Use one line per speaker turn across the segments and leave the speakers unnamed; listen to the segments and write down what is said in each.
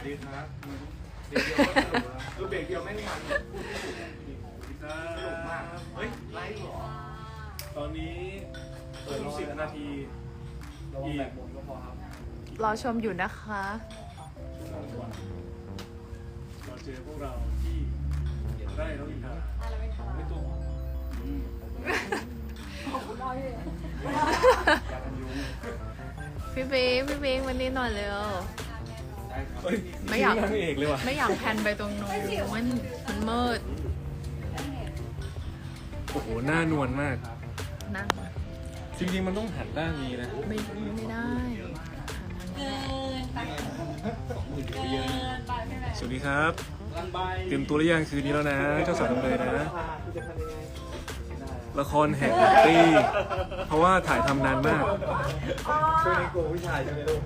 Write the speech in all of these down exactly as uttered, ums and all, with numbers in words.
สวัสดีครับเบรกเดียวก็สนุกแล้วคือเบรกเดียวไม่ได้มันพูดไม่ถูกสนุกมากเฮ้ยไลฟ์เหรอตอนนี้เปิดสิบนาทีอีกแบบบนก็พอครับ
รอชมอยู่นะคะ
เราเจอพวกเราที่ได้น้องอินทาไม่ตัว
พี่บิ๊กพี่บิ๊กวันนี้หน่อยเร็ว ไม่อยาก
นางเอกเลยว่ะ
ไม่อยากแพนไปตรงนู้นมันมันมืด
โอ้โหหน้านวลมาก
นั่ง
จริงๆมันต้องหันด้านนี้นะ
ไม่ไม่ได้
สวัสดีครับเตรียมตัวหรือยังคืนนี้แล้วนะเจ้าสาวทำเลยนะ ละครแห่งปีเพราะว่าถ่ายทำนานมาก
ช่วงนี้กลัวผู้ชายใช่ไหมลูก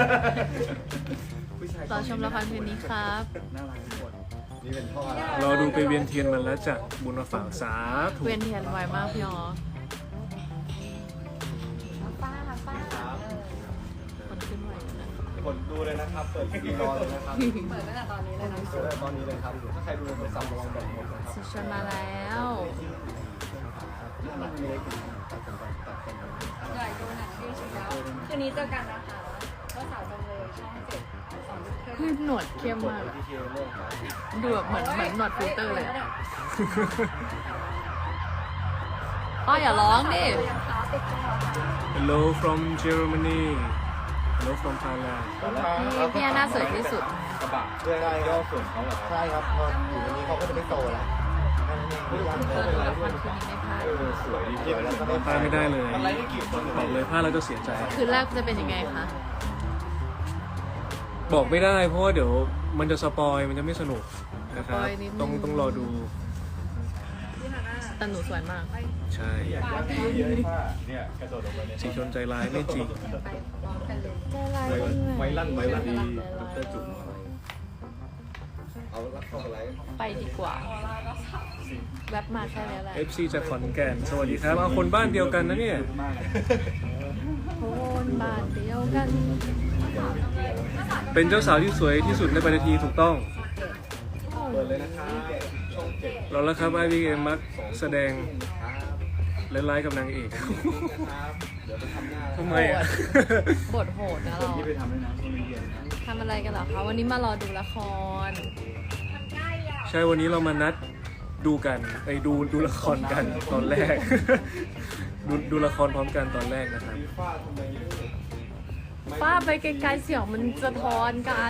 รอชมละครคืนนี้ครับ
น่ารักทุกคนนี่เป็นพ่อ
รอดูไปเวียนเทียนมันแล้วจากบุญมาฝากสาธุ
เวียนเทียนไวมากพี่อ๋อคนขึ้นไวอยู่นะ
กดดูเลยนะครับ เปิดทีวีรอเลยนะครับ เปิดตั้งแต่ตอนนี้เลยนะเปิดตั้งแต่ตอนนี้เลยครับ ถ้าใครดูในโทรศัพท์ระวังแบตหมดนะครับ
สิชวนมาแล้ว
อยากดูหนังที่สุดแล้วคืนนี้เจอกันนะคะก็สาวจำเลยช่องเจ็ดสองทุ่มครึ่ง
พี่หนวดเข้มมากอะดูแบบเหมือนเหมือนหนวดฟิลเตอร์เลยอะอ้ออย่าร้องดิ
Hello from Germany Hello from Thailand
พี่พี่หน้าสวยที่สุด
กระบะเพื่อได้ก็ส่วนเขาเหรอใช่ครับพออยู่ตรงนี้เขาก็จะไม่โตแล้วไม่รู้ว่า
เออดูละครคืนนี้ไม่พลาด
สวยดีแล้วก็
พลาดไม่ได้เลยบอกเลยพลาดแล้วจะเสียใจ
คืนแรกจะเป็นยังไงคะ
บอกไม่ได้เพราะว่าเดี๋ยวมันจะสปอยมันจะไม่สนุกนะครับ
สปอยนิดนึง
ต้องต้องรอดู
แต่หนูสวยมาก
ใช่
เนี่ยกระโดดลงไปเนี่ย
สีชนใจร้ายไม่จริง
ไว้ลั่นไว้ลั่นดีดรจุ๋มเอาลักเข้าไปไลฟ์
ไปดีกว่า แวบมาแค่นี้แหละ
เอฟ ซี จากขอนแก่นสวัสดีครับเอาคนบ้านเดียวกันนะเนี่ย
คนบ้านเดียวกัน
เป็นเจ้าสาวที่สวยที่สุดในปฏิทีถูกต้อง
เปิดเลยนะครับช่องเจ็ด
เราแล้วครับไอวีเอ็มมักแสดงเล่นไลฟ์กับนางเอก
นะครับเดี๋ยวไปทำหน้า
ทำไมอ่ะ
บทโหดนะเรา
ที่ไปทำด้วยนะช่วงเย็นนะ
ทำอะไรกันเหรอคะ วันนี้มารอดูละคร
ใช่วันนี้เรามานัดดูกันไปดูดูละครกันตอนแรก ดูดูละครพร้อมกันตอนแรกนะครับ
ฟีฟ่าทำไมลูก
ป้าไปไกลๆเสียงมันสะท้อนกัน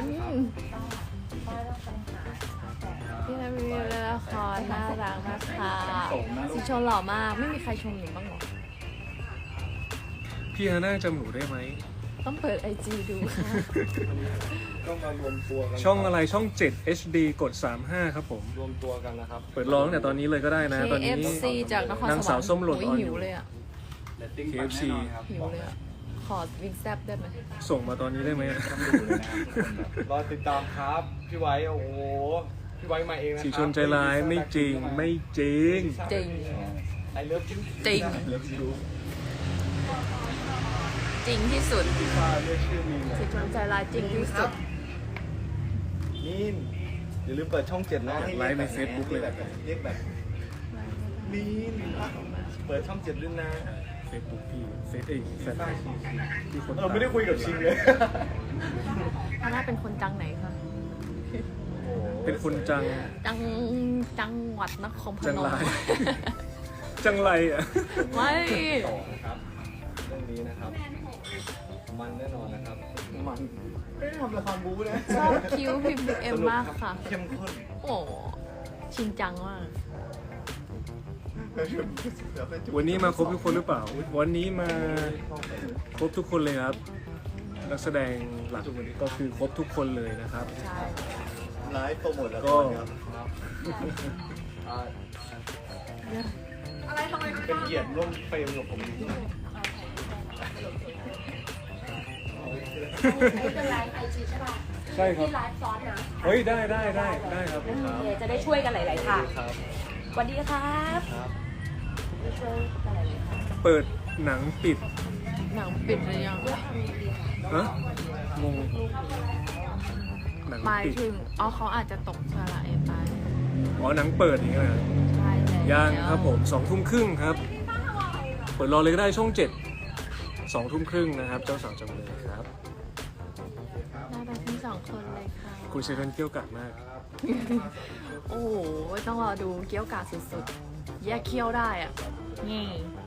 พี่นามีละครน่ารักมากค่ะสีชนหล่อมาก ไม่มีใครชมหนูบ้างหรอ
พี่ฮาน่าจำหนูได้ไหม
ต้องเปิดไอจีดูค่ะ
ต้องมารวมตัวกัน
ช่องอะไรช่องเจ็ด เอช ดี กดสามสิบห้าครับผม
รวมตัวกันนะครับ
เปิดร้องแต่ตอนนี้เลยก็ได้นะ ตอน
เค
นี้
เอฟซี จากนครสวรรค์
นางสาวส้มหล่น
โอ้ย
อ่อน
หิวเลยอ่ะ
เค เอฟ ซี
หิวเลยอ่ะ ขอวิงแซบได้ไหม
ส่งมาตอนนี้ได้ไหม
รอติดตามครับ พี่ไว้ โอ้โห พี่ไว้มาเองนะครั
สีชนใจร้ายไม่จริงไม่จริง
จริง
ไอเลิฟจริง
จริง
เลิฟยู
จริงที่สุด
ฟีฟ่าเรียกชื่อมีน
สีชนใจร้ายจริงที่สุด
มีนอย่าลืมเปิดช่องเจ็ดนะ
ไลฟ์ใน Facebook เลย
เรียกแบบมีนเปิดช่องเจ็ดด้วยนะ
เฟซบุ๊กพี่เฟซเอ้ยแฟนเพจที่คน
เออไม่ได้คุยกับชิงเลย
ฮาน่าเป็นคนจังไหนคะ
เป็นคนจัง
จังจังหวัดนครพ
จัง
น
ไร
ม
จังไรอ่ะ
ไม่
ต่อนะครับเรื่องนี้นะครับ มันแน่นอนนะครับ มันไม่ได้ทำละครบู๊นะ
ชอบคิ้วพิมพ์เอ็มมากค่ะ
เข้มข้น
โอ้ชิงจังมาก
วันนี้มาครบทุกคนหรือเปล่า วันนี้มาครบทุกคนเลยครับ นักแสดงหลักก็คือครบทุกคนเลยนะครับ
ใช่
ไลฟ์โปรโมทละค
ก็
รครับอ่า
อะไรทำไม
เป็นเกียรติร่วมเฟรมกับผม
เป็นไลฟ์ไอจีใช่ป่ะ
ใช่ครับ
ที่ไลฟ์ซ้อนนะ
เฮ้ยได้ได้ได้ได้ครับ
เดี๋ยวจะได้ช่วยกันหลายๆทาง
ครับ
สวัสดีครับ
ครับ
ช่วยกันหลายๆทาง
เปิดหนังปิด
หนังปิดหรือยัง
ฮะงงนัง
หมาย
ปิด
ถึงอ๋อเขาอาจจะตกสระเอไป
อ๋อหนังเปิดอย่างเงี้ยนะ
ใช่แล้ว
ยังครับผมสองทุ่มครึ่งครับเปิดรอเลยก็ได้ช่องเจ็ดสองทุ่มครึ่งนะครับ เจ้าสาวจำเลยครับ
น่ารักทั้งสองคนเลยค่ะ
คุณเซเว่นเกี่ยวกาดมาก
โอ้โหต้องรอดูเกี้ยวกาดสุดๆแยกเคี้ยวได้อ่ะนี่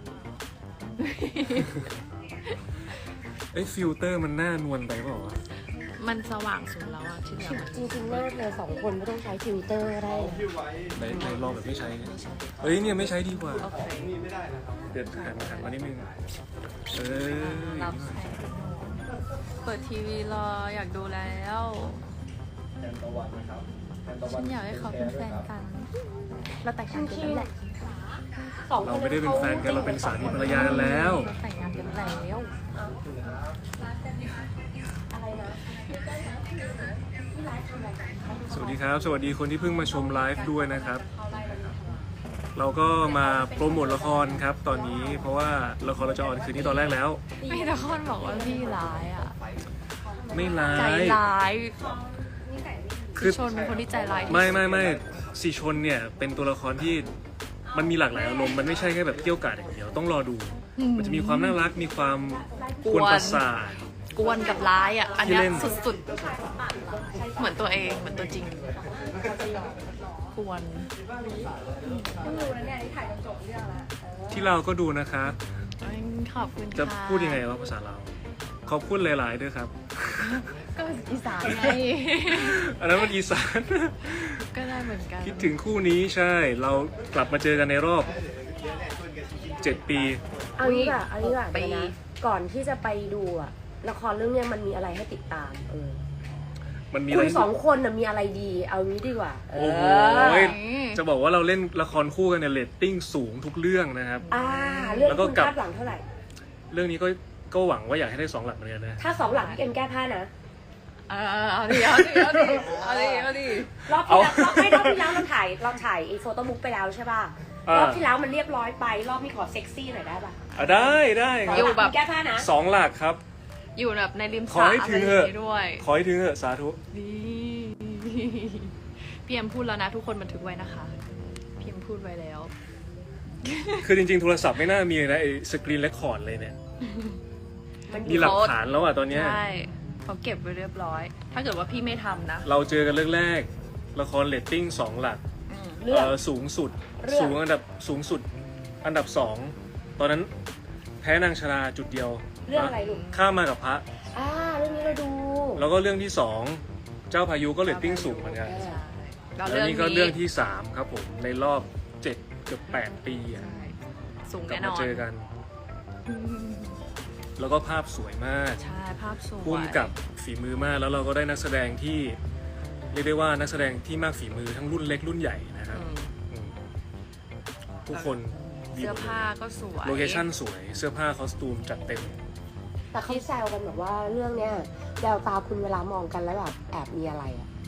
เอ้ยฟิลเตอร์มันหน้านวลไปเปล่าวะ
มันสว่างสุดแล้วอ่ะที่เหลือมัน
จริงๆน่าเลยสองคนไม่ต้องใช้ฟิลเตอร์ก็ได้นะ
ในในลองแบบไม่ใช้ไงเอ้ยเนี่ยไม่ใช้ดีกว่า
โอเค
เดี๋ยวหันหันมานิดนึงเออ
รับแสงเปิดทีวีรออยากดูแล้ว
แทนตะวันนะครับแทนตะวั
ฉั
น
นอยากให้เขาเป็นแฟนกัน เราแต่งงานกันแล้วแหละ
สองค
เรา
น
ไม่ได้เป็นแฟนกันเราเป็นสามีภรรยากันแล้ว
เราแต่งงานกันแล้ว
อะไรนะ
สวัสดีครับ สวัสดีคนที่เพิ่งมาชมไลฟ์ด้วยนะครับ เราก็มาโปรโมทละครครับตอนนี้เพราะว่าละครเราจะออนคืนนี้ตอนแรกแล้ว
มีแต่คนบอกว่าพี่ร้ายอ่ะ
ไม่ร้า
ใจ
ย
ร้าย
คื
คือ อชนเป็นคนที่ใจร้ายที่สุด
ไม่ไม่ไม่สีชนเนี่ยเป็นตัวละครที่มันมีหลากหลายอารมณ์มันไม่ใช่แค่แบบเกี่ยวกาดอย่างเดียวต้องรอดู มันจะมีความน่ารักมีความกวนประสาท
กวนกับร้ายอ่ะ อันเนี้ย
ที่เล่น
สุดๆ เหมือนตัวเองเหมือนตัวจริง กวน
ต้องดูนะเนี่ยที่ถ่ายจนจบเรื่องแล้วเออ
ที่เราก็ดูนะครับ
ขอบคุณค่ะ
จะพูดยังไงว่าภาษาเราวขอบคุณหลายๆด้วยครับ
ก็อีสานไง
อันนั้นมันอีสาน
ก็ได้เหมือนกัน
คิดถึงคู่นี้ใช่ เรากลับมาเจอกันในรอบเจ็ดปี
เอางี้ก่ะเอางี้ก่ะ
ไป
เดี๋ยวนะก่อนที่จะไปดูอะละครเรื่องเนี้ยมันมีอะไรให้ติดตาม เออ
มันมี
คุ
อะไร
ณสองคนน่ะมีอะไรดี เอางี้ดีกว่า เอ
โอ้โห
อ
จะบอกว่าเราเล่นละครคู่กันเนี่ยเรตติ้งสูงทุกเรื่องนะครับ
อ่า เรื่อง
แล้วก็
คุณ
กลับ
คาดหวังเท่าไหร่
เรื่องนี้ก็ก็หวังว่าอยากให้ได้สองหลักเหมือนกันนะ
ถ้าสองหลังพี่เอ็มแก้ผ้านะ
เออเอาดิเอาดิเอาดิเอาดิเอาดิ
รอบที่แล้วรอบไม่รอบที่แล้วเราถ่ายเราถ่ายไอ้โฟโต้บุ๊กไปแล้วใช่ป่ะ
อ่าร
อบที่แล้วมันเรียบร้อยไป รอบนี้ขอเซ็กซี่หน่อยได้ป่ะ
อ่ะได้ได้ค
ส
รั
อบ งหลังคุณแก้ผ้านะ
สองหลักครับ
อยู่แบบในริม
ข
ส
อ
ระ
ให้
อะไร
ถึง
อ
เถ
ย่าง
อะ
นี้ด้วย
ขอให้ถึงเถอะสาธุ
นี่พี่เอ็มพูดแล้วนะ ทุกคนบันทึกไว้นะคะพี่เอ็มพูดไว้แล้ว
คือจริงๆ โทรศัพท์ไม่น่ามีเลยนะไอ้สกรีนเรคคอร์ดเลยเนี่ย
มัน
มีหลักฐานแล้วอ่ะตอนเนี้ย
ใช่เขาเก็บไว้เรียบร้อย ถ้าเกิดว่าพี่ไม่ทำนะ
เราเจอกันเรื่องแรก ละครเรตติ้งสองหลัก
อืม
เรื่อง
เอ่อสูงสุด
เรื่อง
สูงอันดับสูงสุด อันดับสองตอนนั้นแพ้นางชราจุดเดียว
เรื่องอะไรลูก
ข้ามมากับพระ
อ่าเรื่องนี้เราดู
แล้วก็เรื่องที่สองเจ้าพายุก็เรตติ้งสูงเหมือนกัน
ใช่แล้ว
แล้ว
เรื่อง
นี่
นี้
ก็เรื่องที่สามครับผมในรอบเจ็ดเกือบแปดปีอะ
ใช่สูง
กลั
แน่
บ
น
มา
อน
เจอกัน
อืม
แล้วก็ภาพสวยมาก
ใช่ภาพสวย
พุ่มกับฝีมือมาก แล้วเราก็ได้นักแสดงที่เรียกได้ว่านักแสดงที่มากฝีมือทั้งรุ่นเล็กรุ่นใหญ่นะครับ
อืม
อืมทุกคนดี
เสื้
ห
อ
มด
ผ้า
เลย
ก็สวย
โลเคชั่นสวย เสื้อผ้าคอสตูมจัดเต็ม
แต่เขาแซวกันแบบว่าเรื่องเนี้ยแววตาคุณเวลามองกันแล้วแบบแอบมีอะไรอ่ะ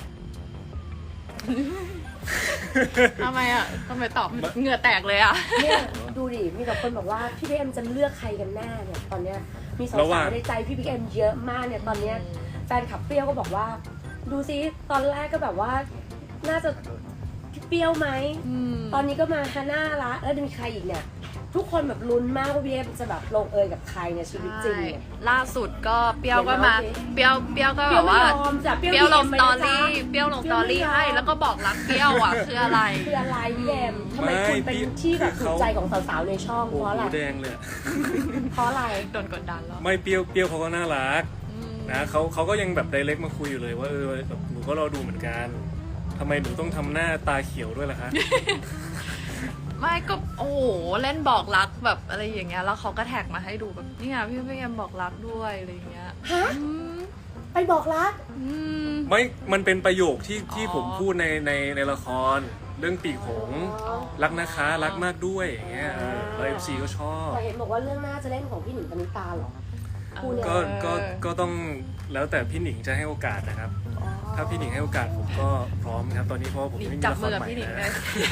ทำไมอ่ะทำไมตอบเหงื่อแตกเลยอ่ะ
เนี่ยดูดิ มีแต่คนบอกว่าพี่พีเอ็มจะเลือกใครกันแน่เนี่ยตอนเนี้ยมีสา
ระหว่าง
วๆในใจพี่พีเอ็มเยอะมากเนี่ยตอนเนี้ยแฟนขับเปรี้ยวก็บอกว่า ดูซิตอนแรกก็แบบว่าน่าจะพี่เปรี้ยวไหม
อืม
ตอนนี้ก็มาฮาน่าละแล้วจะมีใครอีกเนี่ย ทุกคนแบบลุ้นมากว่าพี่เอ็มจะแบบลงเอยกับใครในชีวิตจริงเนี่ย
ล่าสุดก็เปรี้ยวก็มา
เดี๋ยวนะ
เปรี้ยวเปรี้ยวก็
เป
แบ
รี้ยว
บ
ไม่
ว่าย
อมจ้ะ
เปรี้ยวลง
เป
ส
รี้
ต
ยว
อ
ไม่
รี่
ยอม
เปรี้ยวลงสตอรี่ให้แล้วก็บอกรักเปรี้ยวอ่ะคืออะไร
คืออะไรพี่เอ็มทำไม
ไม่
คุณเป็น
พี่
ที่แบบ
คือ
ถู
เขา
กใจของสาวๆในช่อง
โอ้
เพ
โห
ราะอะไร
แดงเลยอะ
เพราะอะไร
โดนกดดันแล้ว
ไม่เปรี้ยวเปรี้ยวเขาก็น่ารัก
อืม
นะเขาเขาก็ยังแบบไดเรกมาคุยอยู่เลยว่าเออแบบหนูก็รอดูเหมือนกันทำไมหนูต้องทำหน้าตาเขียวด้วยล่ะคะ
ไม่ก็โอ้โหเล่นบอกรักแบบอะไรอย่างเงี้ยแล้วเขาก็แท็กมาให้ดูแบบนี่ไงพี่พี่เอ็มบอกรักด้วยอะไรอย่างเงี้ย
ฮะ
อืม
ไปบอกรัก
อืม
ไม่มันเป็นประโยคที่ที่
อ๋อ
ผมพูดในในในละครเรื่องปีกหงส์รักนะคะรักมากด้วยอย่างเงี้ยเออแล้วเอฟซีก็ชอบ
แต่เห็นบอกว่าเรื่องหน้าจะเล่นของพี่หนิงปณิตาเหรอ คู่เนี่ย
ก็ก็ก็ต้องแล้วแต่พี่หนิงจะให้โอกาสนะครับ ถ้าพี่หนิงให้โอกาสผมก็พร้อมครับตอนนี้เพราะว่าผม
หนิง
ไม่มี
จับ
ละค
มื
ร
อกับ
ใหม่
พี่หนิงเล
นะ
ย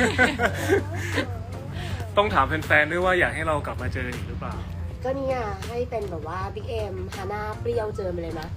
ต้องถามแฟนๆด้วยว่าอยากให้เรากลับมาเจออีกหรือเปล่า
ก็เนี่ยให้เป็นแบบว่าบิ๊กเอ็มฮาน่าเปรี้ยวเจอมาเลยนะ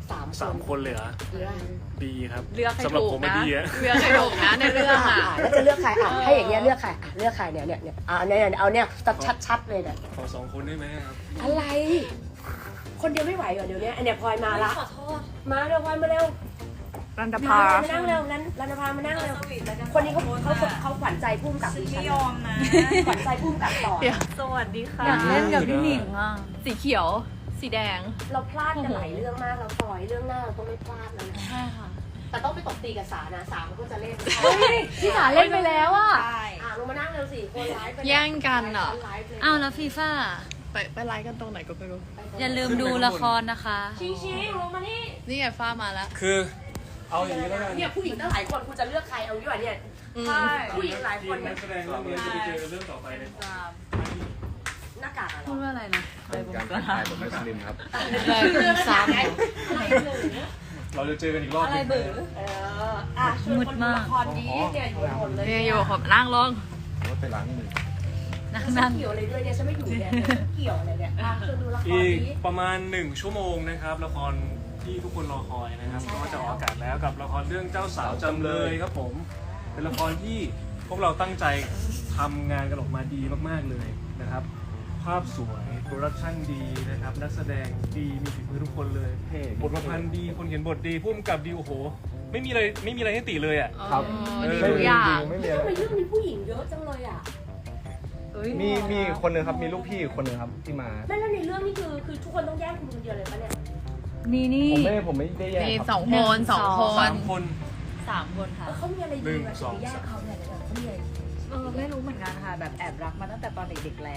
สาม
สามคนเลยเหรอ
เลือก
ดีครับ
เลือกให้
สำหรับ
ถู
ผ
ก
มไม่
นะ
ดีอะ
เลือกให้ถูกนะในเรื่องอ่ะ
อ่ะแล้วจะเลือกใครอ่ะให้อย่างเงี้ยเลือกใครอ่ะเลือกใครเนี่ยเนี่ยเนี่ยเอาเนี่ยเอาเนี่ยชัดๆเลยเนี่ย
ขอสองคนได้ไหมครับ
อะไร คนเดียวไม่ไหวเหรอเดี๋ยวนี้อันเนี้ยพลอยมาละ
ขอโทษ
มาเร็วพลอยมาเร็ว
รันดา
มา
ภา
มานั่งเร็วรันรันภามานั่งเร็วคนนี้เขาเขาเขาขวัญใจพุ่มกับดิฉั
ไม่
น
ยอมนะ
ขวัญใจพุ่มกับต่อ
เดี๋ยว
สวัสดีค่ะ
อยากเล่นกับพี่หนิงอ่ะ สีเขียว สีแดง
เราพลาดกันหลายเรื่องมากเราพลอยเรื่องหน้าเราต้องไม่พลาดแล้วนะ
ใช่ค่ะ
แต่ต้องไปตบตีกับสานะสามันก็จะเล่น
พี่สาเล่นไปแล้วอ่ะ
ใช่
อ่ะลงมานั่งเร็วสิคนไลฟ์ไป
แย่งกันอ่ะ
ไลฟ์เลย
อ้าวแล้วฟีฟ่า
ไปไปไลฟ์กันตรงไหนก็ไม่รู้
อย่าลืมดูละครนะคะ
ชิงชิงลงมานี่
นี่ไงฟ้ามาแล้ว
คือเอาอย่างนี้แล้วกัน
เนี่ยผู้หญิงตั้งหลายคนคุณจะเลือกใครเอาดีกว่าเนี่ย
อืม
ใช่ผู้หญิงหลายคน
นั
เนี่ย
กแสดงเรื่องนี้จะไปเจอเรื่องต่อไปเลย
หน้ากากอะเหร
พู
อ
ดว่าอะไรนะ
เป็นการทักทายแบบมุสลิมครับ
เรื่องซ้ำไงอะไรเบอร์
เราจะเจอกันอีกรอบหนึ่ง
เอออ่ะชวนคนดูละครดีเนี่ยอยู่หมดเลย
นี่อยู่ผมนั่งลง
ว่าไปล้างมือ
นั่ง
ฉั
นั่
น
ง
เกี่ยวอะไรด้วยเนี่ยฉันไม่อยู่เนี่ยเกี่ยวอะไรเนี่ยอ่ะชวนดูละคร
อีก
ดี
ประมาณหนึ่งชั่วโมงนะครับละครที่ทุกคนรอคอยนะครับก็จะออกอากาศแล้วกับละครเรื่องเจ้าสาวจำเลยครับผม เป็นละครที่พวกเราตั้งใจทำงานกันออกมาดีมากๆเลยนะครับ ภาพสวยโปรดักชั่นดีนะครับนักแสดงดีมีฝีมือทุกคนเลย
เท่
บทประพันธ์ดีคนเขียนบทดีพุ่มกับดีโอ้โหไม่มีอะไรไม่มีอะไรให้ติเลยอ่ะ
ครับ
เออ
ไม่
ดีทุกอย่าง
ไม่มี
ทำ
อะไร
ไมเรื่องนี้ผู้หญิงเยอะจังเลยอ่ะ
มีมีคนหนึ่งครับมีลูกพี่คนหนึ่งครับที่มา
ไม่แล้วในเรื่องนี้คือคือทุกคนต้องแย่งคุณคนเดียวเลยปะเนี่ย
นี่นี่
ผมไม่ผมไม่ได้แย่ง
มี
ครับ
สองคนสองค
สาน มคน
สามคนค่ะ
เออเขามีอะไร
หนึ่
ดี
ง
กว่า
สอง
จะไปแย่งเขาเนี่ยเดี๋ยวเขามีอะไร
เออไม่รู้เหมือนกันค่ะ แบบแอบรักมาตั้งแต่ตอนเด็กๆแล้ว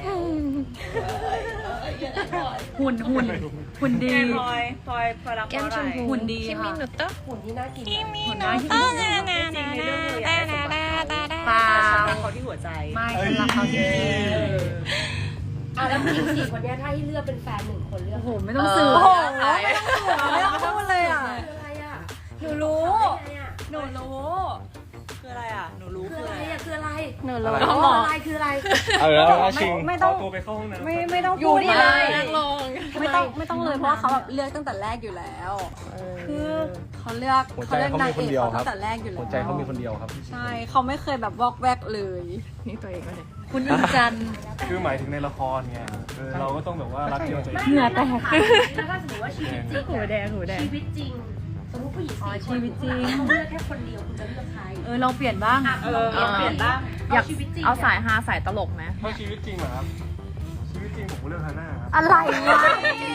หุ่นหุ่นหุ่นดี
แกพลอยพลอยพลอยรักเพราะอะไร
หุ่นดี
คิมิ
ค่ะ
นุตะ
หุ่นที่น่ากินหุ่น
หุ่นน้อยที่สุด
จริงในเรื่องเลยอยากให้สมบัติเขา
เปล่า
แต่ฉันรักเขาที่หัวใจ
ไม่ฉันรักเขาจริง
อ่ะแล้วผู้หญิงสี่คนเนี้ยถ้าให้เลือกเป็นแฟนหนึ่งคนเลือก
ๆโอ้โหไม่ต้องสื่อ
โอ้โห
ไม่ต้องพูดเลยอ่ะ
คืออะไรอ่ะ
หนูรู้
คืออะไรอ่ะ
หนูรู้ คืออะไรอ่ะ หนูรู้
คือ
คือ
อะ
อะไร ไร
อ่ะคืออะไร
หนู
อะ
รู้
ไร
คืออะไรคืออะไร
เอาแล้วเอาชิง
ไม่ต้อง
ขอตัวไปเข้าห้องน้ำ
ไม่ไม่ต้อง
อยู่
พูด
นี่
เล
เลย
ย
นั่งลง
ไม่ต้องไม่ต้องเลยเพราะว่าเขาแบบเลือกตั้งแต่แรกอยู่แล้ว คือเขาเลือก
หัวใจ
เขาเลือก
เขา
นาง
มีค
เอน ก
เดียว
เขา
ครั
ตั้
บ
งแต่แรกอยู่แล้ว
หัวใจเขามีคนเดียวครับ
ใช่เขาไม่เคยแบบวอกแวกเลย
นี่ตัวเองก็เลย
คุณอินจันทร์
คือหมายถึงในละครไงเออเราก็ต้องแบบว่ารักเดียวใจ
ไม่
เดียว
เหงื่อแตก
แล้วถ้าสมมติว่าชีวิตจริง
หู
อะ
แดงหูแดง
ชีวิตจริง สมมติผู้หญิง
อ๋อ
สี่คน
ชีวิตจริง
เขาเลือกแค่คนเดียวคุณจะเลือกใคร
เออลองเปลี่ยนบ้าง
อ่ะลองเปลี่ยนเปลี่ยนบ้าง
อยาก
ชีวิตจริง
เอาสายฮาสายตลกไหม
ถ้าชีวิตจริงเหรอครับชีวิตจริงผมก็เลือกฮาน่าครับ
อะไรวะ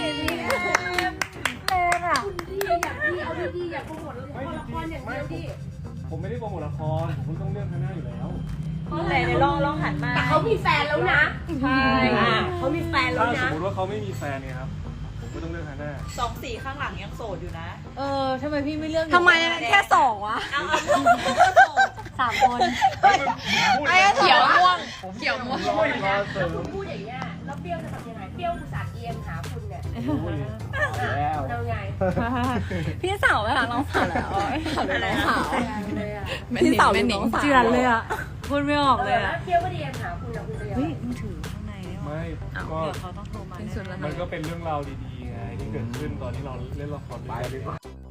คุณดีอยากดีเอาดีๆอยากโปรโมทละครอย่างเดียวดิ
ผมไม่ได้โปรโมทละครผมก็ต้องเลือกฮาน่าอยู่แล้ว
ไหนไหนลองลองหันมา
แต่เขามีแฟนแล้วนะ
ใช่
อ่ะเขามีแฟนแล้ว
ถ้าสม
นะ
มติว่าเขาไม่มีแฟนเนี่ยครับผมก็ต้องเลือกฮาน่า
สองสีข้างหลังยังโสดอยู่นะ
เออทำไมพี่ไม่เลือก
ทำไมแค่สอง
วะ
เอาเอา
สามคน
ไอ้เขียวม่วง เขียวม่วง
รอรอเสริม
คุณพูดอย่างเงี้ยแล้วเปรี้ยวจะทำยังไงเปรี้ยวอุตส่าห์เอียงหาคุณเนี่ย
แล้ว
เอาไง
พี่สาวไม่รักน้องสาวแล้วอะไรน้องสาว
เลยอ่ะ
พี่สาวเป็นน้องเจือนเลยอ่ะพูดไม่ออก
เอ
เล
อย แล้
อ่ะ
วเปรี้ยวก็เอียงหาคุณนะคุณจะยังไง
เฮ้ยมึงถือข้างในได้ไหม
ไม่ก็
เดี๋ยวเขาต้องโทรมา
เป็นส่วนละ
มันก็เป็นเรื่องราวดีๆไงที่เกิดขึ้นตอนที่เราเล่นละครด้วยกัน